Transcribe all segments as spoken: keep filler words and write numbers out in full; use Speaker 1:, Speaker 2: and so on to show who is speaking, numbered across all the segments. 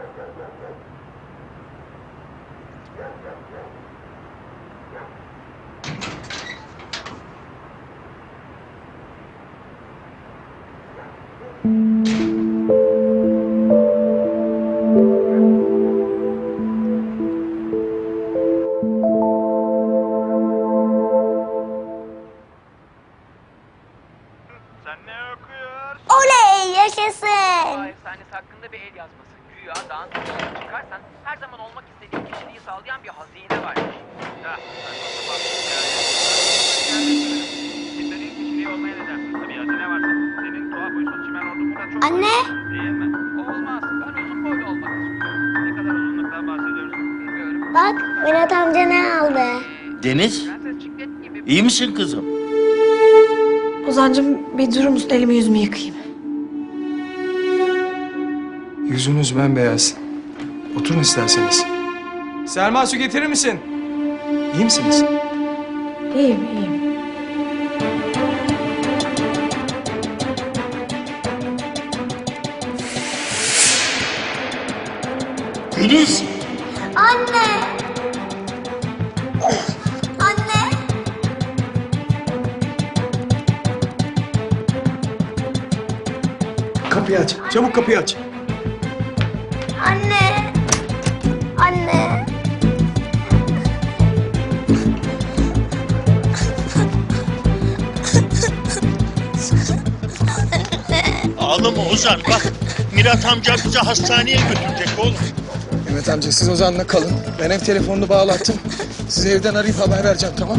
Speaker 1: Oley, yaşasın.
Speaker 2: Doğa efsanesi hakkında bir el yazması. Güya dağın tepesine çıkarsan her zaman olmak istediğin kişiliği sağlayan bir hazine varmış. Ha, saçma sapan yani. İstediğin kişiliği olmaya ne dersin? Tabii hazine varsa. Senin tuhaf uysun çimen ordu bu kadar çok...
Speaker 1: Anne.
Speaker 2: Değil mi? Olmaz. Ben uzun boylu olmak istiyorum. Ne kadar uzunluktan bahsediyoruz bilmiyorum.
Speaker 1: Bak, Murat amca ne aldı?
Speaker 3: Deniz, iyi misin kızım?
Speaker 4: Ozancığım bir durur musun? Elimi yüzümü yıkayayım.
Speaker 5: Yüzünüz bembeyaz. Oturun isterseniz. Selma, su getirir misin? İyi misiniz?
Speaker 4: İyiyim, iyiyim.
Speaker 3: Deniz,
Speaker 1: Anne. Anne.
Speaker 5: Kapıyı aç. Çabuk kapıyı aç.
Speaker 1: Anne. Anne.
Speaker 3: ağlama Ozan. Bak, Mirat amca bizi hastaneye götürecek oğlum.
Speaker 5: Mehmet amca, siz Ozan'la kalın. Ben ev telefonunu bağlattım. Sizi evden arayıp haber vereceğim, tamam?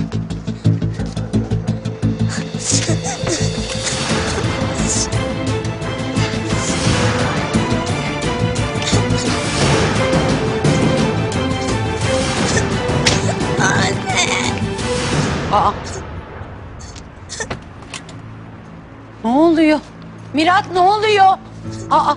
Speaker 6: Aa. Ne oluyor? Mirat ne oluyor? Aa.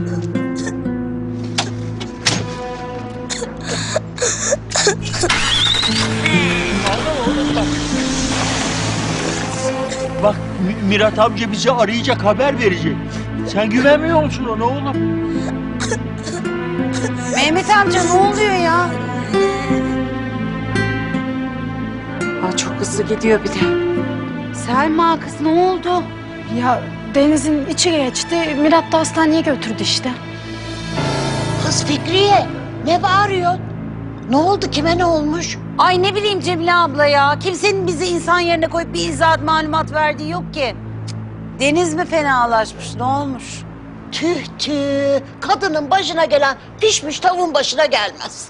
Speaker 3: Bak, Mi- Mirat amca bizi arayacak, haber verecek. Sen güvenmiyor musun ona oğlum?
Speaker 6: Mehmet amca ne oluyor ya? Aa, çok hızlı gidiyor bir de. Selma kız ne oldu?
Speaker 4: Ya Deniz'in içi geçti. Mirat da hastaneye götürdü işte.
Speaker 7: Kız Fikriye, ne bağırıyorsun? Ne oldu, kime ne olmuş?
Speaker 6: Ay ne bileyim Cemile abla ya. Kimsenin bizi insan yerine koyup bir izahat malumat verdiği yok ki. Deniz mi fenalaşmış ne olmuş?
Speaker 7: Tüh tüh, kadının başına gelen pişmiş tavuğun başına gelmez.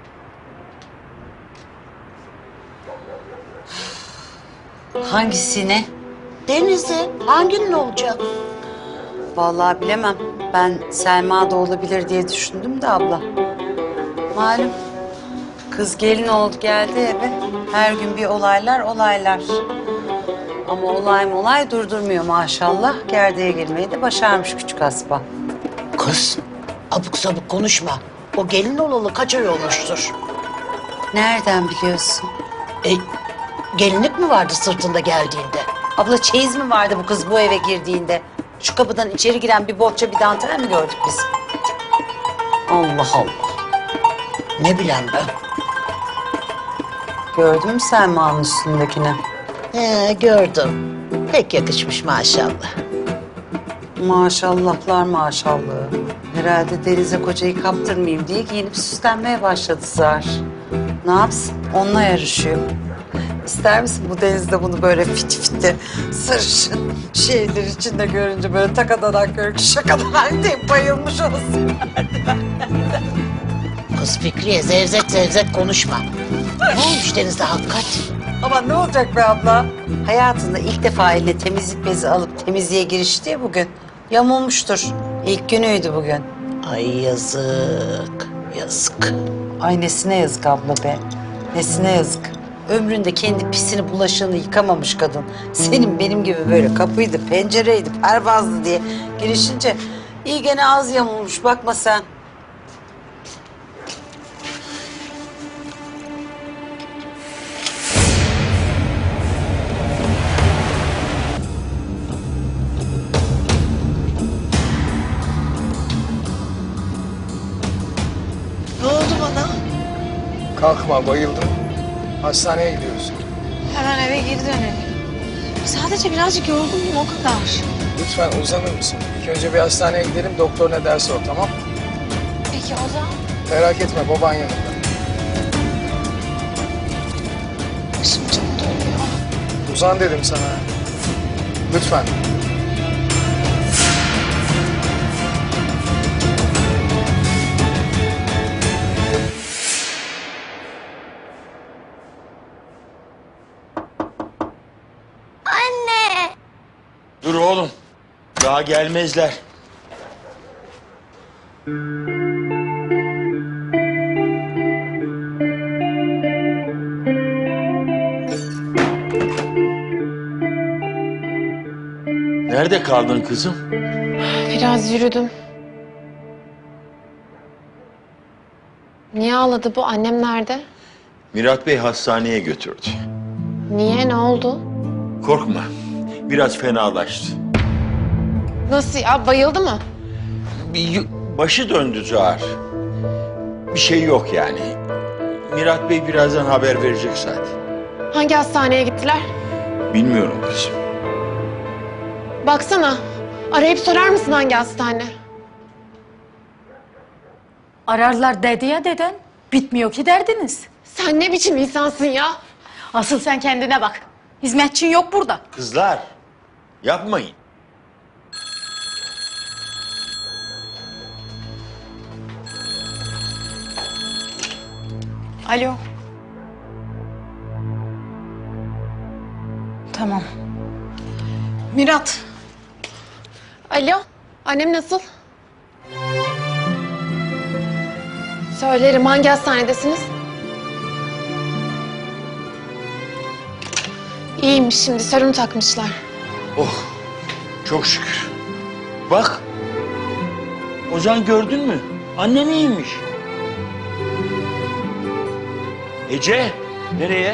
Speaker 6: Hangisine?
Speaker 7: Deniz'in hanginin olacak?
Speaker 6: Vallahi bilemem. Ben Selma da olabilir diye düşündüm de abla. Malum kız gelin oldu geldi eve. Her gün bir olaylar olaylar. Ama olay molay durdurmuyor maşallah. Gerdeğe girmeyi de başarmış küçük aspa.
Speaker 7: Kız, abuk sabuk konuşma. O gelin olalı kaç ay olmuştur?
Speaker 6: Nereden biliyorsun?
Speaker 7: E, gelinlik mi vardı sırtında geldiğinde?
Speaker 6: Abla çeyiz mi vardı bu kız bu eve girdiğinde? Şu kapıdan içeri giren bir bohça bir dantel mi gördük biz? Allah Allah.
Speaker 7: Ne bileyim ben.
Speaker 6: Gördün mü Selma'nın üstündekini?
Speaker 7: He, gördüm. Pek yakışmış maşallah.
Speaker 6: Maşallahlar maşallahı. Herhalde Deniz'e kocayı kaptırmayayım diye giyinip süslenmeye başladı zar. Ne yapsın? Onunla yarışıyor. İster misin bu Deniz'de bunu böyle fit fitti, sarışın şeyler içinde görünce böyle takadanak görünce şakadan diye bayılmış olsun.
Speaker 7: Kız Fikriye, zevzek zevzek konuşma. Ne olmuş Deniz'de hakikat?
Speaker 6: Ama ne olacak be abla? Hayatında ilk defa eline temizlik bezi alıp temizliğe girişti ya bugün. Yamulmuştur. İlk günüydü bugün.
Speaker 7: Ay yazık, yazık.
Speaker 6: Ay nesine yazık abla be. Nesine yazık. Ömründe kendi pisini bulaşığını yıkamamış kadın. Senin benim gibi böyle kapıydı, pencereydi, pervazdı diye girişince iyi gene az yamulmuş bakma sen.
Speaker 5: Kalkma, bayıldım. Hastaneye gidiyoruz.
Speaker 4: Hemen eve geri dönelim. Sadece birazcık yorgunum o kadar.
Speaker 5: Lütfen uzanır mısın? İlk önce bir hastaneye gidelim, doktor ne derse o, tamam?
Speaker 4: Peki o zaman?
Speaker 5: Merak etme, baban yanında.
Speaker 4: Başım çok dönüyor.
Speaker 5: Uzan dedim sana. Lütfen.
Speaker 1: Anne.
Speaker 3: Dur oğlum. Daha gelmezler. Nerede kaldın kızım?
Speaker 4: Biraz yürüdüm. Niye ağladı bu? Annem nerede?
Speaker 3: Mirat Bey hastaneye götürdü.
Speaker 4: Niye? Ne oldu?
Speaker 3: Korkma. Biraz fenalaştı.
Speaker 4: Nasıl ya? Bayıldı mı?
Speaker 3: Bir yu- başı döndü Zuhar. Bir şey yok yani. Mirat Bey birazdan haber verecek zaten.
Speaker 4: Hangi hastaneye gittiler?
Speaker 3: Bilmiyorum kızım.
Speaker 4: Baksana. Arayıp sorar mısın hangi hastane?
Speaker 8: Ararlar dedi ya deden. Bitmiyor ki derdiniz.
Speaker 4: Sen ne biçim insansın ya?
Speaker 8: Asıl sen kendine bak. Hizmetçin yok burada.
Speaker 3: Kızlar, yapmayın.
Speaker 8: Alo. Tamam.
Speaker 4: Mirat. Alo. Annem nasıl? Söylerim. Hangi hastanedesiniz? İyiymiş şimdi. Serum takmışlar.
Speaker 3: Oh, çok şükür. Bak, Ozan gördün mü? Annen iyiymiş. Ece, nereye?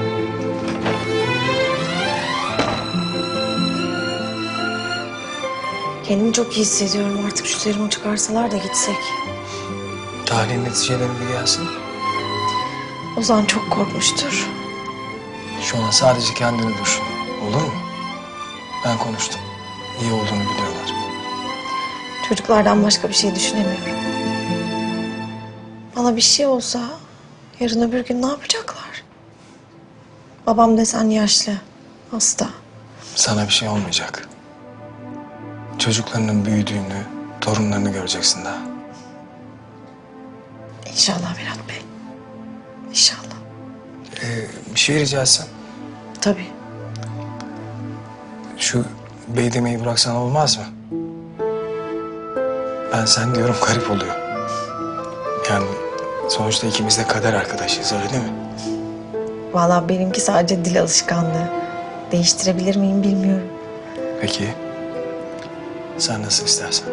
Speaker 9: Kendimi çok iyi hissediyorum. Artık şu serumu çıkarsalar da gitsek.
Speaker 5: Tahlil neticeleri bir gelsin.
Speaker 9: Ozan çok korkmuştur.
Speaker 5: Şu an sadece kendini düşün. Olur mu? Ben konuştum. İyi olduğunu biliyorlar.
Speaker 9: Çocuklardan başka bir şey düşünemiyorum. Bana bir şey olsa yarın öbür gün ne yapacaklar? Babam desen yaşlı, hasta.
Speaker 5: Sana bir şey olmayacak. Çocuklarının büyüdüğünü, torunlarını göreceksin daha.
Speaker 9: İnşallah Mirat Bey. İnşallah.
Speaker 5: Ee, bir şey rica etsem.
Speaker 9: Tabii.
Speaker 5: Şu bey demeyi bıraksan olmaz mı? Ben sen diyorum garip oluyor. Yani sonuçta ikimiz de kader arkadaşıyız, öyle değil mi?
Speaker 9: Vallahi benimki sadece dil alışkanlığı. Değiştirebilir miyim bilmiyorum.
Speaker 5: Peki. Sen nasıl istersen.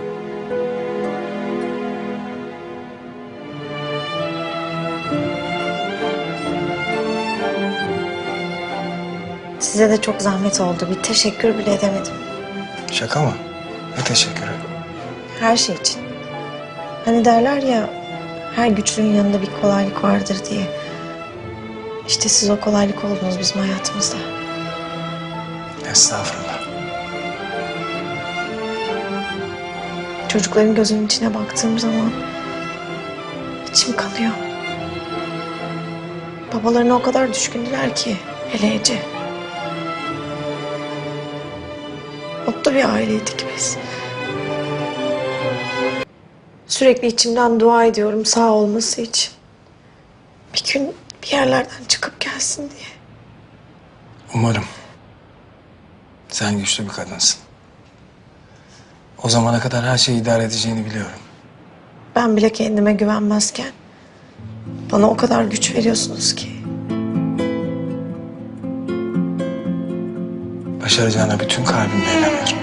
Speaker 9: Size de çok zahmet oldu. Bir teşekkür bile edemedim.
Speaker 5: Şaka mı? Ne teşekkürü.
Speaker 9: Her şey için. Hani derler ya, her güçlünün yanında bir kolaylık vardır diye. İşte siz o kolaylık oldunuz bizim hayatımızda.
Speaker 5: Estağfurullah.
Speaker 9: Çocukların gözünün içine baktığım zaman içim kanıyor. Babalarına o kadar düşkündüler ki, hele Ece. Mutlu bir aileydik biz. Sürekli içimden dua ediyorum sağ olması için. Bir gün bir yerlerden çıkıp gelsin diye.
Speaker 5: Umarım. Sen güçlü bir kadınsın. O zamana kadar her şeyi idare edeceğini biliyorum.
Speaker 9: Ben bile kendime güvenmezken bana o kadar güç veriyorsunuz ki.
Speaker 5: Başaracağına bütün kalbimle inanıyorum.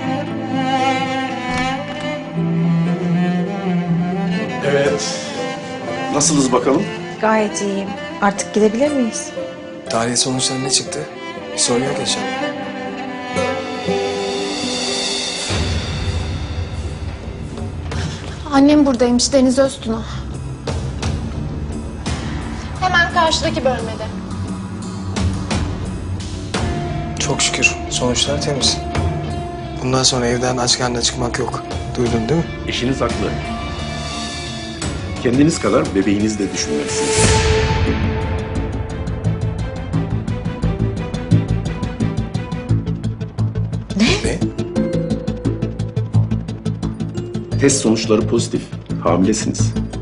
Speaker 10: Evet. Nasılız bakalım?
Speaker 9: Gayet iyiyim. Artık gidebilir miyiz?
Speaker 5: Tahlil sonuçları ne çıktı? Bir sorun yok inşallah.
Speaker 4: Annem buradaymış, Deniz Öztuna. Karşıdaki bölmede.
Speaker 5: Çok şükür sonuçlar temiz. Bundan sonra evden aç karnına çıkmak yok. Duydun değil mi?
Speaker 10: Eşiniz haklı. Kendiniz kadar bebeğinizi de düşünmelisiniz.
Speaker 5: Ne?
Speaker 10: Test sonuçları pozitif. Hamilesiniz.